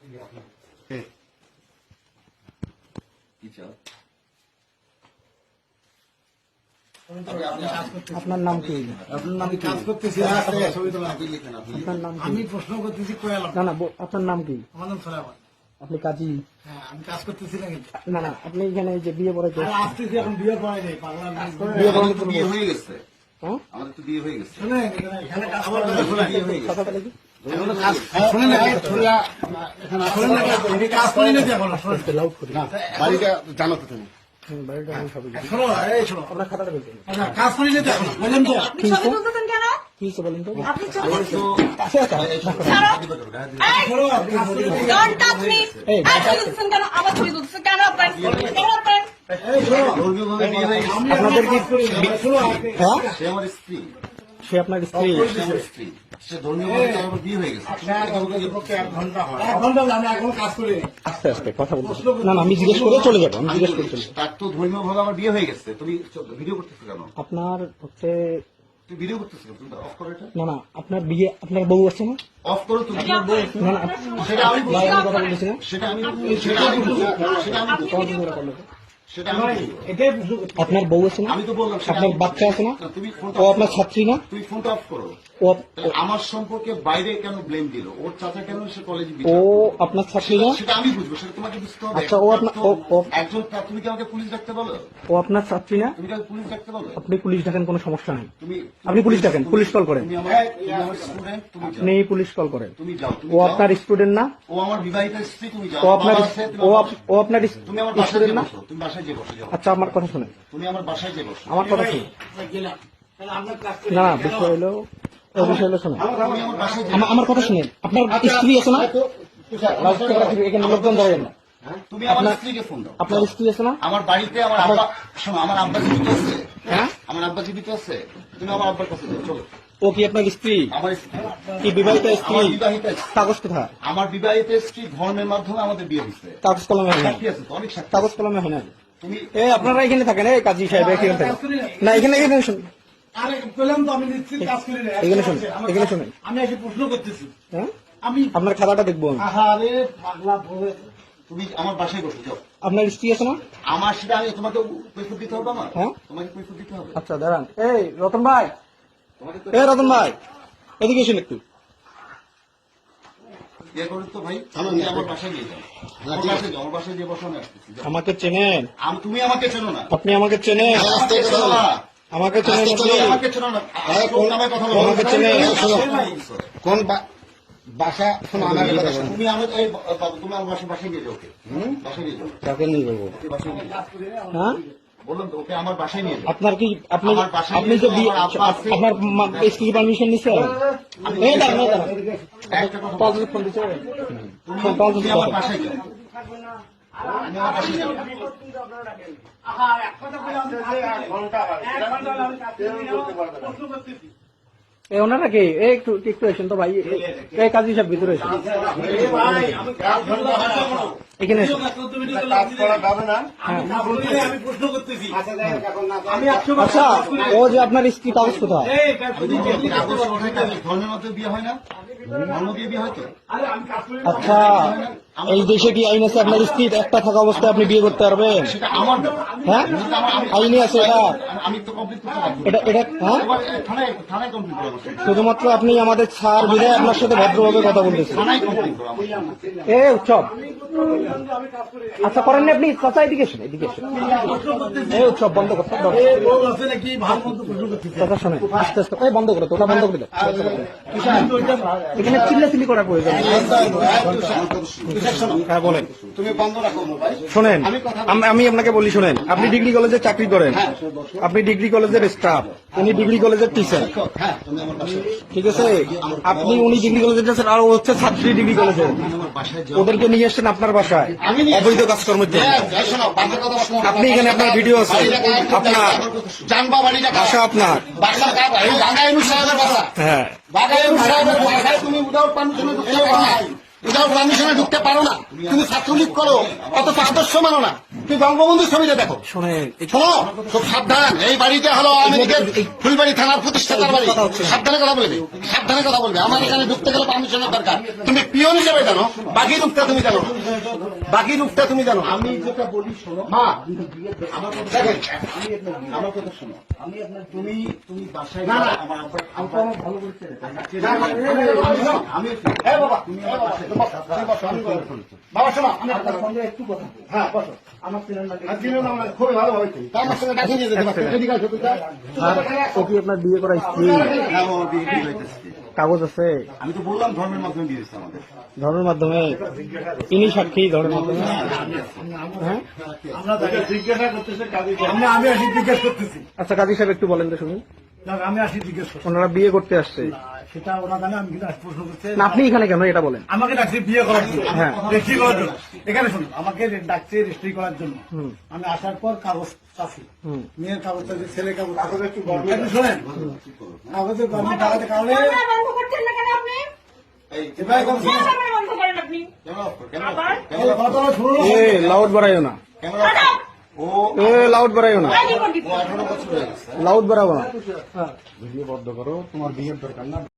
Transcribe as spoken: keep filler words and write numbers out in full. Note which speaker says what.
Speaker 1: আপনার নাম কি?
Speaker 2: আপনার নাম কাজ করতেছি আমি প্রশ্ন করতেছি
Speaker 1: না না আপনার নাম কি?
Speaker 2: আমার নাম সোলাইমান।
Speaker 1: আপনি কাজী?
Speaker 2: হ্যাঁ আমি কাজ করতেছি না কিন্তু
Speaker 1: না না আপনি এখানে যে বিয়ে পড়ে
Speaker 2: আসতেছি এখন বিয়ে পড়াই নেই পাগলা
Speaker 1: বিয়ে পড়ানো তো
Speaker 3: বিয়ে হয়ে গেছে।
Speaker 1: হ্যাঁ
Speaker 3: আমাদের তো বিয়ে হয়ে গেছে।
Speaker 2: শুনে এখানে কাজ করা
Speaker 3: বিয়ে হয়ে গেছে।
Speaker 1: কথাটা দেখি
Speaker 2: শুনে না কাজ করি না এখন
Speaker 1: লাউড করি না
Speaker 4: বাড়িটা জানো তো তুমি?
Speaker 1: বাড়িটা আমি সবই জানি।
Speaker 2: শোনো এই শোনো
Speaker 1: আপনার খাতাটা বলতেন
Speaker 2: আচ্ছা কাজ করি না এখন বললাম তো
Speaker 5: আপনি ছবি তুলতেছেন কেন?
Speaker 1: কি হচ্ছে বলেন তো?
Speaker 5: আপনি ছবি
Speaker 3: আমার তো
Speaker 1: কাছে আসা।
Speaker 2: শোনো
Speaker 5: Don't touch me!
Speaker 1: এই,
Speaker 5: আর ছবি তুলতেছেন কেন? আবার ছবি তুলতেছেন কেন আপনার? কেন আপনার?
Speaker 2: এই শোনো
Speaker 3: ধর্মীয়ভাবে বিয়ে হয়ে গেছে।
Speaker 1: আপনাদের কি
Speaker 2: শোনো
Speaker 1: হ্যাঁ
Speaker 3: সে আমার স্ত্রী।
Speaker 1: সে আপনার স্ত্রী?
Speaker 3: সে আমার স্ত্রী। সে ধর্মীয়ভাবে তার আবার বিয়ে হয়ে গেছে।
Speaker 2: এক ঘন্টা হয় এক ঘন্টা আমি এখন কাজ করি
Speaker 1: আস্তে আস্তে কথা বলতে না না আমি জিজ্ঞেস করে চলে যাবো আমি জিজ্ঞেস করে চলে যাবো।
Speaker 3: তার তো ধর্মীয়ভাবে আমার বিয়ে হয়ে গেছে। তুমি ভিডিও করতেছো কেন?
Speaker 1: আপনার হচ্ছে
Speaker 3: তুমি ভিডিও করতেছো কেন? তুমি অফ করো এটা।
Speaker 1: না না আপনার বিয়ে আপনার বউ আছে না?
Speaker 3: অফ করো তুমি।
Speaker 1: না না
Speaker 3: সেটা আমি
Speaker 1: ভাই, আমি কথা বলতেছি না
Speaker 3: সেটা আমি সেটা আমি সেটা আমি
Speaker 1: তোমার জন্য ওরা করলো।
Speaker 3: সেটা আমি
Speaker 2: এটাই প্রশ্ন করছি।
Speaker 1: আপনার বউ আছে না?
Speaker 3: আমি তো বললাম সেটা
Speaker 1: আপনার
Speaker 3: আমি-
Speaker 1: বাচ্চা আছে না?
Speaker 3: তুমি ফোনটা
Speaker 1: ও আপনার ছাত্রী না?
Speaker 3: তুমি ফোনটা অফ করো।
Speaker 1: ও
Speaker 3: তাহলে আমার সম্পর্কে বাইরে কেন ব্লেম দিল? ওর চাচা কেন সে কলেজে
Speaker 1: ও আপনার ছাত্রী না?
Speaker 3: সেটা আমি বুঝবো, সেটা তোমাকে বুঝতে হবে।
Speaker 1: আচ্ছা, ও আপনার- ও- ও-
Speaker 3: একজন তুমি কি আমাকে পুলিশ ডাকতে বলো?
Speaker 1: ও আপনার ছাত্রী না?
Speaker 3: তুমি কি আমাকে পুলিশ ডাকতে বলো?
Speaker 1: আপনি পুলিশ ডাকেন, কোনো সমস্যা নেই।
Speaker 3: তুমি
Speaker 1: আপনি পুলিশ ডাকেন, পুলিশ কল করেন।
Speaker 3: তুমি আমার তুমি আমার স্টুডেন্ট, তুমি যাও।
Speaker 1: আপনি পুলিশ কল করেন।
Speaker 3: তুমি যাও, তুমি
Speaker 1: ও
Speaker 3: যাও।
Speaker 1: আপনার স্টুডেন্ট না?
Speaker 3: ও আমার বিবাহিত স্ত্রী, তুমি যাও।
Speaker 1: ও আপনার
Speaker 3: বাবা আছে, তুমি
Speaker 1: ও
Speaker 3: আমার
Speaker 1: আপ- ও আপনার
Speaker 3: তুমি আমার বাসায়
Speaker 1: স্টুডেন্ট
Speaker 3: যে
Speaker 1: না?
Speaker 3: বসো, তুমি বাসায় যে বসো, যাও।
Speaker 1: আচ্ছা আমার কথা শুনেন,
Speaker 3: তুমি আমার বাসায় যে বসো।
Speaker 1: আমার কথা শুনুন।
Speaker 2: গেলাম তাহলে আমরা কাজ করি
Speaker 1: না না বিষয় হলো ওই বিষয় হলো শুনুন,
Speaker 3: তুমি আমার বাসায় যে
Speaker 1: আমা- আমার কথা শুনেন। আপনার স্ত্রী আছে না? লাউডস্পিকার আছে, এখানে লোকজন দাঁড়াবেন না।
Speaker 3: তুমি আমার
Speaker 1: আপনার-
Speaker 3: স্ত্রীকে ফোন দাও।
Speaker 1: আপনার স্ত্রী আছে না?
Speaker 3: আমার বাড়িতে আমার আব্বা, শোনো, আমার আব্বা জীবিত আছে।
Speaker 1: হ্যাঁ
Speaker 3: আমার আব্বা জীবিত আছে। তুমি আমার আব্বার কাছে যাও, চলো।
Speaker 1: ও কি আপনার স্ত্রী?
Speaker 3: আমার স্ত্রী,
Speaker 1: কি বিবাহিত স্ত্রী?
Speaker 3: আমার বিবাহিত স্ত্রী।
Speaker 1: কাগজ কোথায়?
Speaker 3: আমার বিবাহিত স্ত্রী ধর্মের মাধ্যমে আমাদের বিয়ে হয়েছে।
Speaker 1: কাগজ কলমে হয় না।
Speaker 3: সাক্ষী আছে তো, অনেক সাক্ষী।
Speaker 1: কাগজ কলমে হয় না।
Speaker 3: তুমি
Speaker 1: এ আপনারা এখানে থাকেন, এই কাজী সাহেব এখানে থাকেন না, এখানে এখানে শুনুন।
Speaker 2: আরে বললাম তো আমি নিশ্চিত কাজ করি না
Speaker 1: এখানে শুনুন, এখানে শুনুন।
Speaker 2: আমি এসে প্রশ্ন করতেছি
Speaker 1: হ্যাঁ
Speaker 2: আমি
Speaker 1: আপনার খাতাটা দেখবো আমি।
Speaker 2: আহারে পাগলা বলে
Speaker 3: তুমি আমার বাসায় বসে যাও।
Speaker 1: আপনার স্ত্রী আছে না?
Speaker 3: আমার সেটা আমি তোমাকে কৈফিয়ত দিতে হবে আমার?
Speaker 1: হ্যাঁ।
Speaker 3: তোমাকে কৈফিয়ত দিতে হবে।
Speaker 1: আচ্ছা দাঁড়ান, এই রতন ভাই,
Speaker 3: তোমাকে তো
Speaker 1: এই রতন ভাই এদিকে এসেন একটু।
Speaker 3: ইয়ে করো তো ভাই, তুমি আমার বাসায় নিয়ে যাও। আমার বাসায় যাও, আমার বাসায় গিয়ে বসো, আমি আসতেছি, যাও।
Speaker 1: আমাকে চেনেন?
Speaker 3: আম- তুমি আমাকে চেনো না।
Speaker 1: আপনি আমাকে চেনেন?
Speaker 3: আমাকে চেনো না।
Speaker 1: আমাকে চেনেন আপনি?
Speaker 3: তুমি আমাকে চেনো না। কোন নামে কথা বলো?
Speaker 1: আমাকে চেনে?
Speaker 4: কোন বা- বাসা শোনো আমার কথা শোনো।
Speaker 3: তুমি আমার এই বাবু, তুমি আমার বাসায় বাসায় নিয়ে যাও ওকে। বাসায় নিয়ে যাও,
Speaker 4: কাকে নিয়ে যাবো?
Speaker 3: ওকে বাসায় নিয়ে যাও।
Speaker 1: হ্যাঁ
Speaker 3: বললাম তো, ওকে আমার বাসায় নিয়ে যাও।
Speaker 1: আপনার কি আপনি
Speaker 3: আমার বাসায়
Speaker 1: আপনি
Speaker 3: নিয়ে
Speaker 1: যে
Speaker 3: যাও,
Speaker 1: বিয়ে-
Speaker 3: আমার আব্বা আছে।
Speaker 1: আপনার স্ত্রী পারমিশন নিচ্ছে? এই দাঁড়ান, এই দাঁড়ান।
Speaker 3: একটা কথা
Speaker 1: পাঁচ
Speaker 3: বলো।
Speaker 1: হাজার ফোন দিচ্ছে।
Speaker 3: তুমি
Speaker 1: ফোন পাঁচ
Speaker 3: তুমি
Speaker 1: হাজার
Speaker 3: আমার
Speaker 1: টাকা।
Speaker 3: বাসায় যাও। তুমি আমার বাসায় যাও।
Speaker 1: এই ওনারা কি? এই একটু একটু এসেন তো ভাই, এই কাজী সাহেব ভিতরে এসেন, এখানে এসেন।
Speaker 2: আমি প্রশ্ন করতেছি আমি একশো বার
Speaker 1: আচ্ছা ও যে আপনার স্ত্রী, কাগজ কোথায়?
Speaker 2: এই কাজ করি না।
Speaker 3: কাগজ কোথায়? কাগজ ধর্মের মধ্যে বিয়ে হয় না? ধর্ম দিয়ে বিয়ে হয় তো?
Speaker 2: আরে আমি কাজ করি না।
Speaker 1: আচ্ছা এই দেশে কি আইন আছে আপনার স্ত্রী একটা থাকা অবস্থায় আপনি বিয়ে করতে পারবেন?
Speaker 3: সেটা আমার ব্যাপার।
Speaker 1: হ্যাঁ
Speaker 3: সেটা আমার- আমি-
Speaker 1: আইনে আছে এটা?
Speaker 3: আমি তো কমপ্লিট করতে পারবো না।
Speaker 1: এটা এটা হ্যাঁ
Speaker 3: এবার থানায় থানায় কমপ্লিট করো আমার সাথে।
Speaker 1: শুধুমাত্র আপনি আমাদের ছাড় বিধায় আপনার সাথে ভদ্রভাবে কথা বলতেছেন।
Speaker 3: থানায় কমপ্লিট করো আমার সাথে।
Speaker 1: এ উৎসব আচ্ছা করেন না আপনি? চাচা এদিকে এসেন, এদিকে এসেন। এই উৎসব বন্ধ করতে দাও।
Speaker 2: এই বউ আছে নাকি ভালো মতো প্রশ্ন করতেছি
Speaker 1: কথা শোনেন আস্তে আস্তে, এই বন্ধ করে তো, ওটা বন্ধ করে দাও। এখানে চিল্লাচিল্লি করার প্রয়োজন নেই। হ্যাঁ বলেন।
Speaker 4: তুমি বন্ধ রাখো মোবাইল।
Speaker 1: শোনেন আম- আমি আপনাকে বলি, শোনেন আপনি ডিগ্রি কলেজে চাকরি করেন, আপনি ডিগ্রি কলেজের স্টাফ, উনি ডিগ্রি কলেজের টিচার,
Speaker 4: হ্যাঁ তুমি আমার বাসায়
Speaker 1: ঠিক আছে? আপনি উনি ডিগ্রি কলেজের টিচার আর ও হচ্ছে ছাত্রী ডিগ্রি কলেজে,
Speaker 3: আমার বাসায় যাও।
Speaker 1: ওদেরকে নিয়ে এসছেন আপনার বাসায় অবৈধ কাজকর্মের জন্য।
Speaker 4: এই শোনো, বাসার কথা শোনো।
Speaker 1: আপনি এখানে আপনার ভিডিও আছে, আপনার
Speaker 4: জানবা বাড়িটা কার?
Speaker 1: বাসা আপনার।
Speaker 4: বাসা কার? এই বাগাইনু সাহেবের বাসা।
Speaker 1: হ্যাঁ
Speaker 4: বাগাইনু সাহেবের বাসায় তুমি উইদাউট পারমিশনে ঢুকতে পারো না। উইদাউট পারমিশনে ঢুকতে পারো না। তুমি ছাত্রলীগ করো, অত আদর্শ মানো না। তুমি বঙ্গবন্ধুর ছবিটা দেখো।
Speaker 1: শোনেন
Speaker 4: শোনো, খুব সাবধান। এই বাড়িটা হলো আওয়ামী লীগের ফুলবাড়ি থানার প্রতিষ্ঠাতার বাড়ি। সাবধানে কথা বলবে, সাবধানে কথা বলবে। আমার এখানে ঢুকতে গেলে পারমিশনের দরকার। তুমি পিয়ন হিসেবে জানো, বাকি রূপটা তুমি জানো, বাকি রূপটা তুমি জানো।
Speaker 3: আমি যেটা বলি শোনো,
Speaker 4: মা
Speaker 3: আমার কথা
Speaker 4: দেখেন,
Speaker 3: আমি আপনার আমার কথা শোনো। আমি আপনার তুমি তুমি বাসায়
Speaker 4: না, না।
Speaker 3: আমার আব্বা
Speaker 4: আমি তো আমার ভালো বলছি না।
Speaker 3: না, না, আমি- আমি
Speaker 4: এই বাবা,
Speaker 3: তুমি
Speaker 4: এই
Speaker 3: আমার
Speaker 4: বাবা,
Speaker 3: বাসায়
Speaker 4: তুমি বসো, তুমি বসো, আমি কথা বলছি। বাবা শোনো, আমি
Speaker 3: আপনার
Speaker 4: আপনার
Speaker 3: সঙ্গে একটু কথা বলি।
Speaker 4: হ্যাঁ বসো।
Speaker 3: আমার চেনার লাগে
Speaker 4: আর দিলেও না, আমার খুবই ভালো হয়েছে। তা আমার সঙ্গে ডাকিয়ে নিয়ে যেতে পারছো। এদিকে আসো, তুই যা।
Speaker 1: ও কি আপনার বিয়ে করা স্ত্রী?
Speaker 3: হ্যাঁ, ও বিয়ে বিয়ে হইতেছে।
Speaker 1: কাগজ আছে
Speaker 3: আমি তো বললাম ধর্মের মাধ্যমে বিয়ে হচ্ছে আমাদের।
Speaker 1: ধর্মের মাধ্যমে? ইনি সাক্ষী ধর্মের মাধ্যমে? হ্যাঁ
Speaker 2: আমরা তাকে জিজ্ঞাসা করতেছি কাজী সাহেব। আমরা আমি আসি জিজ্ঞেস করতেছি
Speaker 1: আচ্ছা কাজী সাহেব একটু বলেন তো শুনি।
Speaker 2: না, আমি আসি জিজ্ঞেস করছি
Speaker 1: ওনারা বিয়ে করতে আসছে,
Speaker 2: না, সেটা ওরা জানে, আমি কিন্তু আজ প্রশ্ন করতে
Speaker 1: না আপনি এখানে কেন এটা বলেন?
Speaker 2: আমাকে ডাকছে বিয়ে করার জন্য,
Speaker 1: হ্যাঁ।
Speaker 2: রেজিস্ট্রি করার জন্য। এখানে শুনুন, আমাকে ডাকছে রেজিস্ট্রি করার জন্য।
Speaker 1: হুম।
Speaker 2: আমি আসার পর কাগজ চাচ্ছি,
Speaker 1: হুম।
Speaker 2: মেয়ের কাগজ চাচ্ছি, ছেলে কাগজ কাগজ একটু গড়বড়। আপনি শোনেন, কাগজে গড়বড় টাকাতে কারণে
Speaker 5: ক্যামেরা বন্ধ করছেন না কেন আপনি?
Speaker 3: এই
Speaker 2: এবার কথা শুনুন।
Speaker 5: ক্যামেরা বন্ধ করেন আপনি।
Speaker 3: ক্যামেরা অফ কর, ক্যামেরা অফ
Speaker 5: আবার?
Speaker 3: কর, ক্যামেরা অফ কর।
Speaker 2: কথাটা শুনুন।
Speaker 1: এ লাউড বাড়াইও না,
Speaker 3: ক্যামেরা অফ কর। ও
Speaker 1: এ লাউড বাড়াইও না,
Speaker 5: এই রিপোর্ট দিতে।
Speaker 3: ও আঠারো বছর হয়ে গেছে।
Speaker 1: লাউড বাড়াবো না।
Speaker 2: ভিডিও বন্ধ করো, তোমার বিয়ের দরকার না।